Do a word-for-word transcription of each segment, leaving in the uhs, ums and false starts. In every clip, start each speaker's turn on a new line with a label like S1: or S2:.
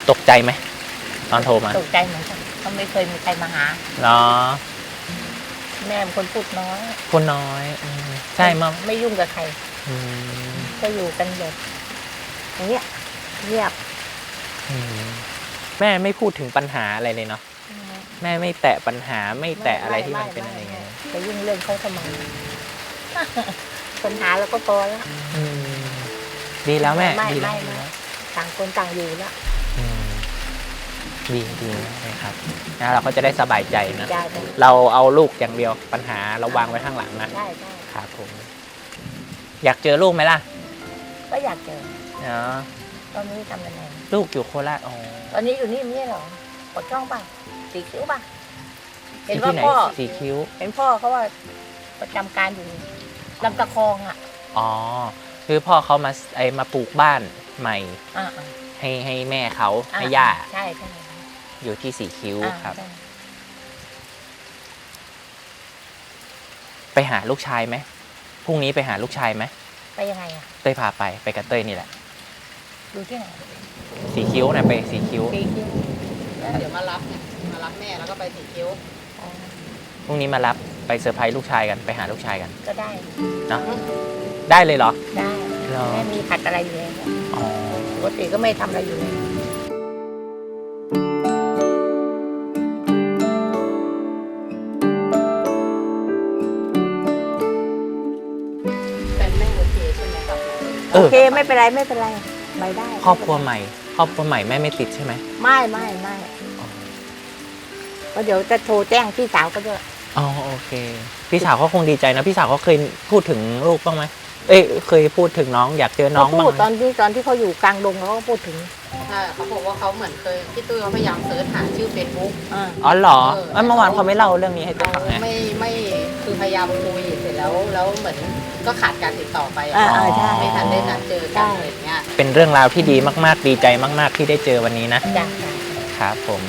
S1: ตกใจไหมตอนโทรมา
S2: ตกใจเหมือนกันเขาไม่เคยมีใครมาหา
S1: เนาะ
S2: แม่เป็นคนพูดน้อย
S1: พูดน้อยใช่มั้ง
S2: ไม่ยุ่งกับใครก็อยู่กันแบบอย่างเงี้ยเงียบ
S1: แม่ไม่พูดถึงปัญหาอะไรเลยเนาะแม่ไม่แตะปัญหาไม่แตะอะไรที่มันเป็นอะไรเงี้ย
S2: จะยุ่งเรื่องเขาทำไมปัญหาแล้วก็พอแล้ว
S1: ดีแล้วแม่
S2: ดีแล้วต่างคนต่างอยู่แล้ว
S1: ดีดีเลยครับนะเราก็จะได้สบายใจนะเราเอาลูกอย่างเดียวปัญหาเราวางไว้ข้างหลังนะ
S2: ได้ได้
S1: ครับผมอยากเจอลูกไหมล่ะ
S2: ก็อยากเจอ
S1: เนาะ
S2: ตอนนี้ทำยังไง
S1: ลูกอยู่โคราชอ๋อ
S2: ตอนนี้อยู่นี่ไม่ใช่หรอปดช่องป่ะสีคิ้วป่ะเห็นว่าพ่อ
S1: สีคิ้ว
S2: เห็นพ่อเขาว่าประจำการอยู่ลำตะคองอ่ะ
S1: อ๋อคือพ่อเขามาไอมาปลูกบ้านใหม่ให้ให้แม่เขาให้ย่า
S2: ใช่ใช่
S1: อยู่ที่สีคิ้วครับไปหาลูกชายไหมพรุ่งนี้ไปหาลูกชายไหม
S2: ไปยังไงอ่ะ
S1: เต้ยพาไปไปกับเต้ยนี่แหละ
S2: ดูที่ไหน
S1: สีคิ้วนะไปสีคิ้ว
S2: สีคิ้ว
S3: เดี๋ยวมารับเนี่ยมารับแม่แล้วก็ไปสีคิ้ว
S1: พรุ่งนี้มารับไปเซอร์ไพรส์ลูกชายกันไปหาลูกชายกัน
S2: ก็ได้
S1: เนาะได้เลยเหรอ
S2: ได้แม่มีผัดอะไรอยู่เลย
S1: อ๋อ
S2: ปกติก็ไม่ทำอะไรอยู่เลยโอเคไม่เป็นไรไม่เป็นไรไปได้
S1: ครอบครัวใหม่ครอบครัวใหม่แม่ไม่ติดใช่ไหม
S2: ไม่ไม่ไม่ก็เดี๋ยวจะโทรแจ้งพี่สาวก็ด้วย
S1: อ๋อโอเคพี่สาวเขาคงดีใจนะพี่สาวเขาเคยพูดถึงลูกบ้างไหมเอ้ยเคยพูดถึงน้องอยากเจอน้องบ้าง
S2: พูดตอนที่ตอนที่เขาอยู่กลางดงเขาก็พูดถึง
S3: ใช่เขาบอกว่าเขาเหมือนเคยพี่ตุ้ยเขาพยายามเสิร์ชหาชื่อเฟซบุ๊ก
S1: อ๋อเหรอเมื่อวานเขาไม่เล่าเรื่องนี้ให้ตุ้ยฟัง
S3: นะไม่ไม่คือพยายามคุยเสร็จแล้วแล้วเหมือนก็ขาดการติดต่อไปไม่ทันได้นัดเจอกันอะไรเงี้ย
S1: เป็นเรื่องราวที่ดีมากๆดีใจมากๆที่ได้เจอวันนี้นะครับผม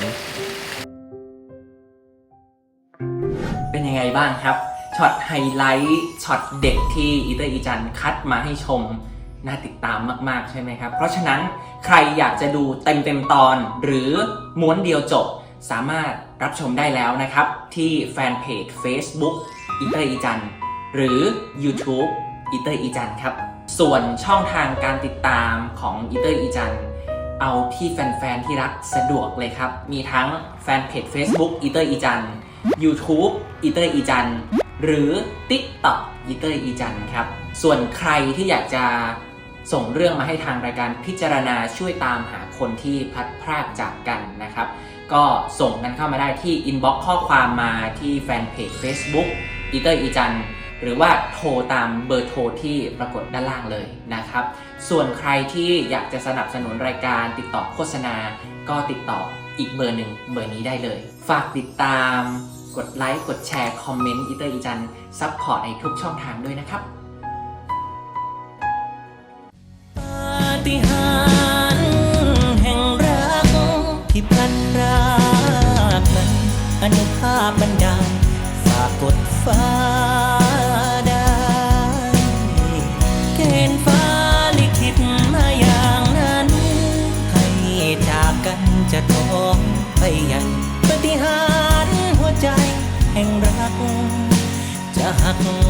S1: เป็นยังไงบ้างครับช็อตไฮไลท์ช็อตเด็กที่อีเตอร์อีจันคัดมาให้ชมน่าติดตามมากๆใช่ไหมครับเพราะฉะนั้นใครอยากจะดูเต็มเต็มตอนหรือม้วนเดียวจบสามารถรับชมได้แล้วนะครับที่แฟนเพจ Facebook อีเตอร์อีจันหรือ YouTube อีเตอร์อีจันครับส่วนช่องทางการติดตามของอีเตอร์อีจันเอาที่แฟนๆที่รักสะดวกเลยครับมีทั้งแฟนเพจ Facebook อีเตอร์อีจัน YouTube อีเตอร์อีจันหรือ TikTok อีเตอร์อีจันครับส่วนใครที่อยากจะส่งเรื่องมาให้ทางรายการพิจารณาช่วยตามหาคนที่พลัดพรากจากกันนะครับก็ส่งกันเข้ามาได้ที่ inbox ข้อความมาที่แฟนเพจ Facebook อีเตอร์อีจันหรือว่าโทรตามเบอร์โทรที่ปรากฏด้านล่างเลยนะครับส่วนใครที่อยากจะสนับสนุนรายการติดต่อโฆษณาก็ติดต่ออีกเบอร์หนึ่งเบอร์นี้ได้เลยฝากติดตามกดไลค์กดแชร์คอมเมนต์อีเตอร์อีจันซัพพอร์ตในทุกช่องทางด้วยนะครับปาฏิหาริย์แห่งรักที่พลันพรากนั้นอนุภาพบันดาลฝากกดฟ้าได้เกณฑ์ฟ้าลิขิตมาอย่างนั้นให้จากกันจะท้องไปยังปาฏิหาริย์หัวใจแห่งรักจะหัก